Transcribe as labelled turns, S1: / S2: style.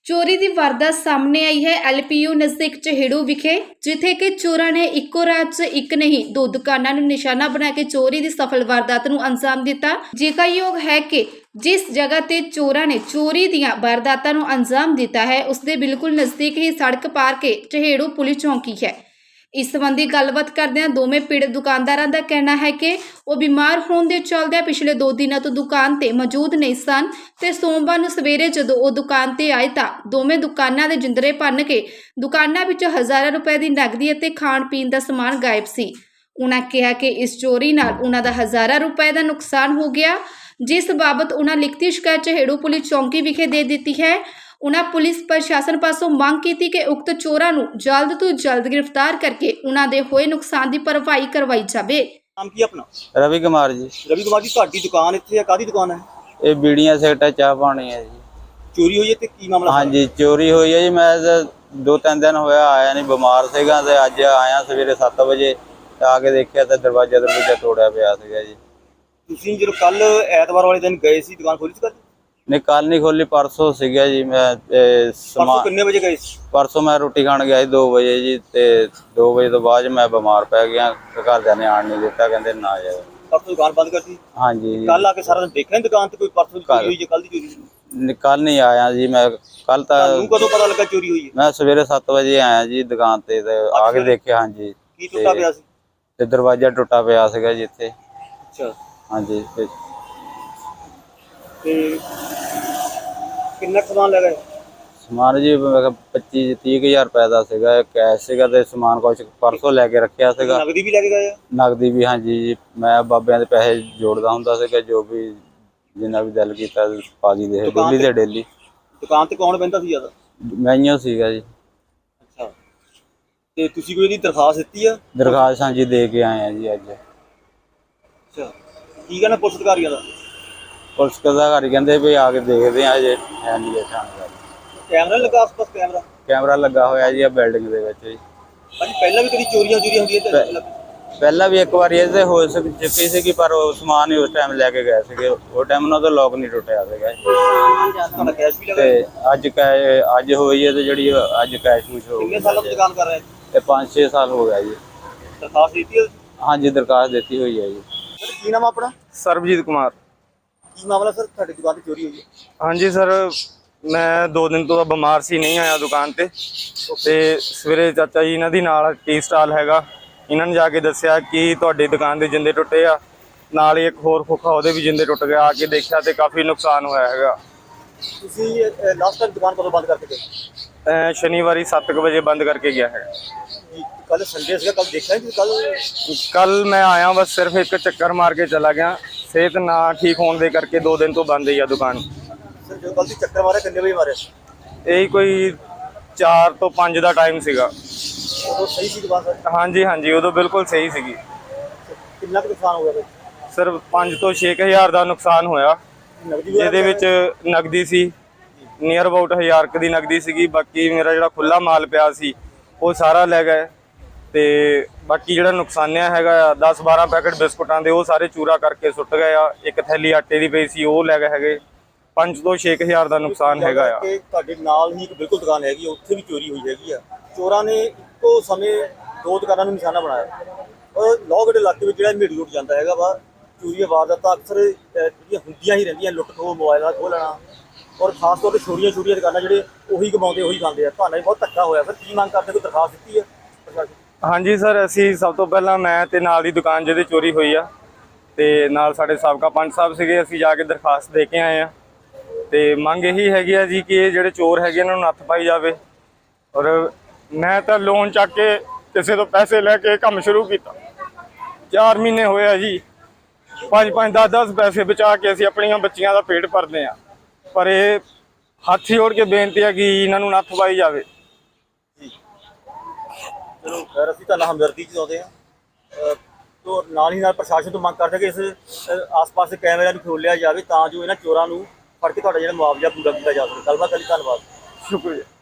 S1: ਚੋਰੀ ਦੀ ਵਾਰਦਾਤ ਸਾਹਮਣੇ ਆਈ ਹੈ ਐਲਪੀਯੂ ਨਜ਼ਦੀਕ ਚਹੇੜੂ ਵਿਖੇ, ਜਿੱਥੇ ਕਿ ਚੋਰਾਂ ਨੇ ਇੱਕੋ ਰਾਤ 'ਚ ਇੱਕ ਨਹੀਂ ਦੋ ਦੁਕਾਨਾਂ ਨੂੰ ਨਿਸ਼ਾਨਾ ਬਣਾ ਕੇ ਚੋਰੀ ਦੀ ਸਫਲ ਵਾਰਦਾਤ ਨੂੰ ਅੰਜਾਮ ਦਿੱਤਾ। ਜ਼ਿਕਰਯੋਗ ਹੈ ਕਿ ਜਿਸ ਜਗ੍ਹਾ ਤੇ ਚੋਰਾਂ ਨੇ ਚੋਰੀ ਦੀਆਂ ਵਾਰਦਾਤਾਂ ਨੂੰ ਅੰਜਾਮ ਦਿੱਤਾ ਹੈ, ਉਸ ਦੇ ਬਿਲਕੁਲ ਨਜ਼ਦੀਕ ਹੀ ਸੜਕ ਪਾਰ ਕੇ ਚਹੇੜੂ ਪੁਲਿਸ ਚੌਂਕੀ ਹੈ। ਇਸ ਸੰਬੰਧੀ ਗੱਲਬਾਤ ਕਰਦਿਆਂ ਦੋਵੇਂ ਪੀੜਤ ਦੁਕਾਨਦਾਰਾਂ ਦਾ ਕਹਿਣਾ ਹੈ ਕਿ ਉਹ ਬਿਮਾਰ ਹੋਣ ਦੇ ਚਲਦਿਆਂ ਪਿਛਲੇ 2 ਦਿਨਾਂ ਤੋਂ ਦੁਕਾਨ ਤੇ ਮੌਜੂਦ ਨਹੀਂ ਸਨ ਤੇ ਸੋਮਵਾਰ ਨੂੰ ਸਵੇਰੇ ਜਦੋਂ ਉਹ ਦੁਕਾਨ ਤੇ ਆਏ ਤਾਂ ਦੋਵੇਂ ਦੁਕਾਨਾਂ ਦੇ ਜਿੰਦਰੇ ਭੰਨ ਕੇ ਦੁਕਾਨਾਂ ਵਿੱਚੋਂ ਹਜ਼ਾਰਾਂ ਰੁਪਏ ਦੀ ਨਕਦੀ ਅਤੇ ਖਾਣ ਪੀਣ ਦਾ ਸਮਾਨ ਗਾਇਬ ਸੀ। ਉਹਨਾਂ ਕਿਹਾ ਕਿ ਇਸ ਚੋਰੀ ਨਾਲ ਉਹਨਾਂ ਦਾ ਹਜ਼ਾਰਾਂ ਰੁਪਏ ਦਾ ਨੁਕਸਾਨ ਹੋ ਗਿਆ, ਜਿਸ ਬਾਬਤ ਉਹਨਾਂ ਲਿਖਤੀ ਸ਼ਿਕਾਇਤ ਚਹੇੜੂ ਪੁਲਿਸ ਚੌਂਕੀ ਵਿਖੇ ਦੇ ਦਿੱਤੀ ਹੈ। ਉਹਨਾਂ ਪੁਲਿਸ ਪ੍ਰਸ਼ਾਸਨ ਪਾਸੋਂ ਮੰਗ ਕੀਤੀ ਕਿ ਉਕਤ ਚੋਰਾਂ ਨੂੰ ਜਲਦ ਤੋਂ ਜਲਦ ਗ੍ਰਿਫਤਾਰ ਕਰਕੇ ਉਹਨਾਂ ਦੇ ਹੋਏ ਨੁਕਸਾਨ ਦੀ ਭਰਪਾਈ ਕਰਵਾਈ ਜਾਵੇ।
S2: ਨਾਮ ਕੀ ਆਪਣਾ?
S3: रवि कुमार जी।
S2: ਰਵੀ ਕੁਮਾਰ ਜੀ, ਤੁਹਾਡੀ ਦੁਕਾਨ ਇੱਥੇ ਹੈ, ਕਾਹਦੀ ਦੁਕਾਨ ਹੈ?
S3: ये बीड़ियां सेटा चाह पानी है जी।
S2: ਚੋਰੀ ਹੋਈ ਹੈ ਤੇ ਕੀ ਮਾਮਲਾ?
S3: हाँ जी, चोरी हुई है जी। मैं 2-3 दिन होया आया नहीं, बीमार सीगा ते अज आया सवेरे 7 बजे आके देखिया ते दरवाजा तोड़िया पिया सीगा जी।
S2: ਤੁਸੀਂ ਜਦੋਂ ਕੱਲ ਐਤਵਾਰ ਵਾਲੇ ਦਿਨ ਗਏ ਸੀ ਦੁਕਾਨ ਖੋਲੀ ਸੀ ਕੱਲ?
S3: नहीं कल नहीं खोली, परसों सीगा जी। मैं
S2: ਪਰਸੋਂ ਕਿੰਨੇ ਵਜੇ ਗਏ ਸੀ?
S3: परसों मैं रोटी खाण गया 2 बजे जी ते 2 बजे तो बाद मैं बीमार पै गया। घरदियां ने आण नहीं दिता, कहंदे ना जाओ।
S2: ਪਰਸੋਂ ਦੁਕਾਨ ਬੰਦ ਕਰਤੀ?
S3: हाँ जी।
S2: ਕੱਲ ਆ ਕੇ ਸਾਰਾ ਦਿਨ ਦੇਖਿਆ ਦੁਕਾਨ ਤੇ ਕੋਈ ਪਰਸੋਂ ਚੋਰੀ ਹੋਈ ਜਾਂ ਕੱਲ ਦੀ ਚੋਰੀ ਹੋਈ?
S3: कल नहीं आया जी मैं। कल
S2: ਤੁਹਾਨੂੰ
S3: तो
S2: ਕਦੋਂ ਪਤਾ ਲੱਗਾ ਚੋਰੀ ਹੋਈ ਹੈ?
S3: मैं सवेरे 7 बजे आया जी दुकान ते आके देखिया। हाँ जी।
S2: ਕੀ ਟੁੱਟਾ ਪਿਆ ਸੀ?
S3: ਤੇ ਦਰਵਾਜ਼ਾ ਟੁੱਟਾ ਪਿਆ ਸੀਗਾ ਜੀ ਇੱਥੇ।
S2: ਅੱਛਾ।
S3: ਹਾਂਜੀ।
S2: ਤੇ ਕਿੰਨਾ ਕੁ ਸਮਾਨ ਲੈ ਗਏ?
S3: ਸਮਾਨ ਜੀ 25-30 ਹਜ਼ਾਰ ਰੁਪਏ ਦਾ ਸੀਗਾ, ਕੈਸ਼ ਸੀਗਾ ਤੇ ਸਮਾਨ ਕੁਛ ਪਰਸੋਂ ਲੈ ਕੇ ਰੱਖਿਆ ਸੀਗਾ।
S2: ਨਗਦੀ ਵੀ ਲੈ ਕੇ ਗਏ ਆ?
S3: ਨਗਦੀ ਵੀ ਹਾਂਜੀ ਜੀ। ਮੈਂ ਬਾਬਿਆਂ ਦੇ ਪੈਸੇ ਜੋੜਦਾ ਹੁੰਦਾ ਸੀਗਾ, ਜੋ ਵੀ ਜਿੰਨਾ ਵੀ ਦਿਲ ਕੀਤਾ ਪਾ ਦੀ ਦੇ ਡੇਲੀ ਦੇ ਡੇਲੀ।
S2: ਦੁਕਾਨ ਤੇ ਕੌਣ ਬਹਿੰਦਾ ਸੀ ਜ਼ਿਆਦਾ?
S3: ਮੈਂ ਹੀ ਸੀਗਾ ਜੀ।
S2: ਅੱਛਾ। ਤੇ ਤੁਸੀਂ ਕੋਈ ਇਹਦੀ ਦਰਖਾਸਤ ਦਿੱਤੀ ਆ?
S3: ਦਰਖਾਸਤ ਹਾਂਜੀ ਦੇ ਕੇ ਆਏ ਆ ਜੀ ਅੱਜ।
S2: ਅੱਛਾ। ਕੀ ਕਹਿੰਦਾ ਪੁਲਿਸ ਅਧਿਕਾਰੀਆਂ ਦਾ?
S3: ਪੁਲਿਸ ਅਧਿਕਾਰੀ ਕਹਿੰਦੇ ਵੀ ਆ ਕੇ ਦੇਖਦੇ ਆ ਜੇ ਹੈ ਨਹੀਂ ਥਾਣੇਦਾਰ।
S2: ਕੈਮਰਾ ਲੱਗਾ ਆਸ-ਪਾਸ?
S3: ਕੈਮਰਾ ਲੱਗਾ ਹੋਇਆ ਜੀ ਆ ਬਿਲਡਿੰਗ ਦੇ ਵਿੱਚ ਜੀ।
S2: ਹਾਂਜੀ। ਪਹਿਲਾਂ ਵੀ ਕਦੀ ਚੋਰੀਆਂ ਹੁੰਦੀਆਂ ਤੇ?
S3: ਪਹਿਲਾਂ ਵੀ ਇੱਕ ਵਾਰੀ ਇਹਦੇ ਹੋ ਚੁੱਕੀ ਸੀਗੀ, ਪਰ ਉਹ ਸਮਾਨ ਹੀ ਉਸ ਟਾਈਮ ਲੈ ਕੇ ਗਏ ਸੀਗੇ। ਉਹ ਟਾਈਮ ਉਹਨਾਂ ਦਾ ਲੋਕ ਨਹੀਂ ਟੁੱਟਿਆ ਸੀਗਾ ਤੇ ਅੱਜ ਹੋਈ ਹੈ ਤੇ ਜਿਹੜੀ ਅੱਜ ਕੈਸ਼ ਨੂੰ ਹੋ
S2: ਕਿੰਨੇ ਸਾਲਾਂ ਤੋਂ ਦੁਕਾਨ ਕਰ ਰਹੇ?
S3: ਤੇ 5-6 ਸਾਲ ਹੋ ਗਿਆ ਜੀ।
S2: ਦਰਖਾਸਤ ਦਿੱਤੀ?
S3: ਹਾਂਜੀ ਦਰਖਾਸਤ ਦਿੱਤੀ ਹੋਈ ਹੈ ਜੀ।
S2: ਸਰ ਕੀ ਨਾਮ ਆਪਣਾ?
S4: ਸਰਬਜੀਤ ਕੁਮਾਰ।
S2: ਕੀ ਮਾਮਲਾ ਸਰ, ਤੁਹਾਡੀ ਦੁਕਾਨ ਤੇ ਚੋਰੀ ਹੋਈ ਹੈ?
S4: ਹਾਂਜੀ ਸਰ, ਮੈਂ 2 ਦਿਨ ਤੋਂ ਬਿਮਾਰ ਸੀ, ਨਹੀਂ ਆਇਆ ਦੁਕਾਨ ਤੇ ਸਵੇਰੇ ਚਾਚਾ ਜੀ ਇਹਨਾਂ ਦੀ ਨਾਲ ਟੀ ਸਟਾਲ ਹੈਗਾ, ਇਹਨਾਂ ਨੇ ਜਾ ਕੇ ਦੱਸਿਆ ਕਿ ਤੁਹਾਡੀ ਦੁਕਾਨ ਦੇ ਜਿੰਦੇ ਟੁੱਟੇ ਆ, ਨਾਲ ਹੀ ਇੱਕ ਹੋਰ ਖੋਖਾ ਉਹਦੇ ਵੀ ਜਿੰਦੇ ਟੁੱਟ ਗਿਆ। ਆ ਕੇ ਦੇਖਿਆ ਤੇ ਕਾਫੀ ਨੁਕਸਾਨ ਹੋਇਆ ਹੈਗਾ।
S2: ਤੁਸੀਂ ਲਾਸਟ ਟਾਈਮ ਦੁਕਾਨ ਕਦੋਂ ਬੰਦ ਕਰਕੇ ਗਏ?
S4: ਸ਼ਨੀਵਾਰੀ 7 ਵਜੇ ਬੰਦ ਕਰਕੇ ਗਿਆ ਹੈ
S2: ਜੀ। ਕੱਲ ਸੰਡੇ ਸੀਗਾ, ਕੱਲ ਦੇਖਿਆ ਨਹੀਂ?
S4: ਕੱਲ ਮੈਂ ਆਇਆ, ਬਸ ਸਿਰਫ ਇੱਕ ਚੱਕਰ ਮਾਰ ਕੇ ਚਲਾ ਗਿਆ। ਸਿਹਤ ਨਾ ਠੀਕ ਹੋਣ ਦੇ ਕਰਕੇ 2 ਦਿਨ ਤੋਂ ਬੰਦ ਹੀ ਆ ਦੁਕਾਨ।
S2: ਸਰ ਜਦੋਂ ਕੱਲ ਦੀ ਚੱਕਰ ਮਾਰਿਆ ਕਿੰਨੇ ਵਜੇ ਮਾਰਿਆ?
S4: ਇਹੀ ਕੋਈ 4 ਤੋਂ 5 ਦਾ ਟਾਈਮ ਸੀਗਾ।
S2: ਉਦੋਂ ਸਹੀ ਸੀ ਦੁਕਾਨ ਸਰ?
S4: ਹਾਂਜੀ ਹਾਂਜੀ, ਉਦੋਂ ਬਿਲਕੁਲ ਸਹੀ ਸੀਗੀ।
S2: ਕਿੰਨਾ ਕੁ ਨੁਕਸਾਨ ਹੋ ਗਿਆ?
S4: ਸਰ 5 ਤੋਂ 6 ਹਜ਼ਾਰ ਦਾ ਨੁਕਸਾਨ ਹੋਇਆ,
S2: ਨਗਦੀ
S4: ਜਿਹਦੇ ਵਿੱਚ ਨਗਦੀ ਸੀ ਨੀਅਰ ਅਬਾਊਟ 1000 ਕੁ ਦੀ ਨਗਦੀ ਸੀਗੀ। ਬਾਕੀ ਮੇਰਾ ਜਿਹੜਾ ਖੁੱਲਾ ਮਾਲ ਪਿਆ ਸੀ ਉਹ ਸਾਰਾ ਲੈ ਗਏ ਤੇ ਬਾਕੀ ਜਿਹੜਾ ਨੁਕਸਾਨਿਆ ਹੈਗਾ 10-12 ਪੈਕਟ ਬਿਸਕੁਟਾਂ ਦੇ ਉਹ ਸਾਰੇ ਚੂਰਾ ਕਰਕੇ ਸੁੱਟ ਗਏ ਆ। ਇੱਕ ਥੈਲੀ ਆਟੇ ਦੀ ਪਈ ਸੀ ਉਹ ਲੈ ਗਏ ਹੈਗੇ। 5 ਤੋਂ 6 ਹਜ਼ਾਰ ਦਾ ਨੁਕਸਾਨ ਹੈਗਾ ਆ।
S2: ਤੁਹਾਡੇ ਨਾਲ ਹੀ ਇੱਕ ਬਿਲਕੁਲ ਦੁਕਾਨ ਹੈਗੀ, ਉੱਥੇ ਵੀ ਚੋਰੀ ਹੋਈ ਹੈਗੀ ਆ। ਚੋਰਾਂ ਨੇ ਇੱਕੋ ਸਮੇਂ 2 ਦੁਕਾਨਾਂ ਨੂੰ ਨਿਸ਼ਾਨਾ ਬਣਾਇਆ। ਔਰ ਲੋਹਗੜ੍ਹ ਇਲਾਕੇ ਵਿੱਚ ਜਿਹੜਾ ਮੇੜੀ ਰੋਡ ਜਾਂਦਾ ਹੈਗਾ ਵਾ, ਚੋਰੀ ਵਾਰਦਾਤਾਂ ਅਕਸਰ ਜਿਹੜੀਆਂ ਹੁੰਦੀਆਂ ਹੀ ਰਹਿੰਦੀਆਂ। ਲੁੱਟ ਖੋਹ, ਮੋਬਾਈਲਾਂ ਖੋਹ ਲੈਣਾ, ਔਰ ਖਾਸ ਤੌਰ ਤੇ ਛੋਟੀਆਂ ਦੁਕਾਨਾਂ ਜਿਹੜੇ ਉਹੀ ਕਮਾਉਂਦੇ ਉਹੀ ਖਾਂਦੇ ਆ। ਤੁਹਾਨੂੰ ਬਹੁਤ ਧੱਕਾ ਹੋਇਆ। ਫਿਰ ਕੀ ਮੰਗ ਕਰਦੇ? ਕੋਈ ਦਰਖਾਸਤ ਦਿੱਤੀ ਹੈ ਪ੍ਰਸ਼ਾਸਨ?
S4: ਹਾਂਜੀ ਸਰ, ਅਸੀਂ ਸਭ ਤੋਂ ਪਹਿਲਾਂ ਮੈਂ ਤੇ ਨਾਲ ਦੀ ਦੁਕਾਨ ਜਿਹਦੇ ਚੋਰੀ ਹੋਈ ਆ ਤੇ ਨਾਲ ਸਾਡੇ ਸਾਬਕਾ ਪੰਚ ਸਾਹਿਬ ਸੀਗੇ, ਅਸੀਂ ਜਾ ਕੇ ਦਰਖਾਸਤ ਦੇ ਕੇ ਆਏ ਆ ਤੇ ਮੰਗ ਇਹੀ ਹੈਗੀ ਆ ਜੀ ਕਿ ਇਹ ਜਿਹੜੇ ਚੋਰ ਹੈਗੇ ਇਹਨਾਂ ਨੂੰ ਨੱਥ ਪਾਈ ਜਾਵੇ। ਔਰ ਮੈਂ ਤਾਂ ਲੋਨ ਚੱਕ ਕੇ ਕਿਸੇ ਤੋਂ ਪੈਸੇ ਲੈ ਕੇ ਕੰਮ ਸ਼ੁਰੂ ਕੀਤਾ। 4 ਮਹੀਨੇ ਹੋਏ ਆ ਜੀ। 5-5, 10-10 ਪੈਸੇ ਬਚਾ ਕੇ ਅਸੀਂ ਆਪਣੀਆਂ ਬੱਚੀਆਂ ਦਾ ਪੇਟ ਭਰਦੇ ਆ, ਪਰ ਇਹ ਹੱਥ ਜੋੜ ਕੇ ਬੇਨਤੀ ਹੈ ਕਿ ਇਹਨਾਂ ਨੂੰ ਨੱਥ ਪਾਈ ਜਾਵੇ।
S2: ਚਲੋ ਖੈਰ, ਅਸੀਂ ਤਾਂ ਹਮਦਰਦੀ ਚਾਹੁੰਦੇ ਹਾਂ ਤੋਂ ਨਾਲ ਹੀ ਨਾਲ ਪ੍ਰਸ਼ਾਸਨ ਤੋਂ ਮੰਗ ਕਰਦੇ ਕਿ ਇਸ ਆਸ-ਪਾਸ ਦੇ ਕੈਮਰਿਆਂ ਨੂੰ ਖੋਲ੍ਹਿਆ ਜਾਵੇ ਤਾਂ ਜੋ ਇਹਨਾਂ ਚੋਰਾਂ ਨੂੰ ਫੜ ਕੇ ਤੁਹਾਡਾ ਜਿਹੜਾ ਮੁਆਵਜ਼ਾ ਪੂਰਾ ਕੀਤਾ ਜਾ ਸਕੇ। ਗੱਲਬਾਤ ਲਈ ਧੰਨਵਾਦ।
S4: ਸ਼ੁਕਰੀਆ।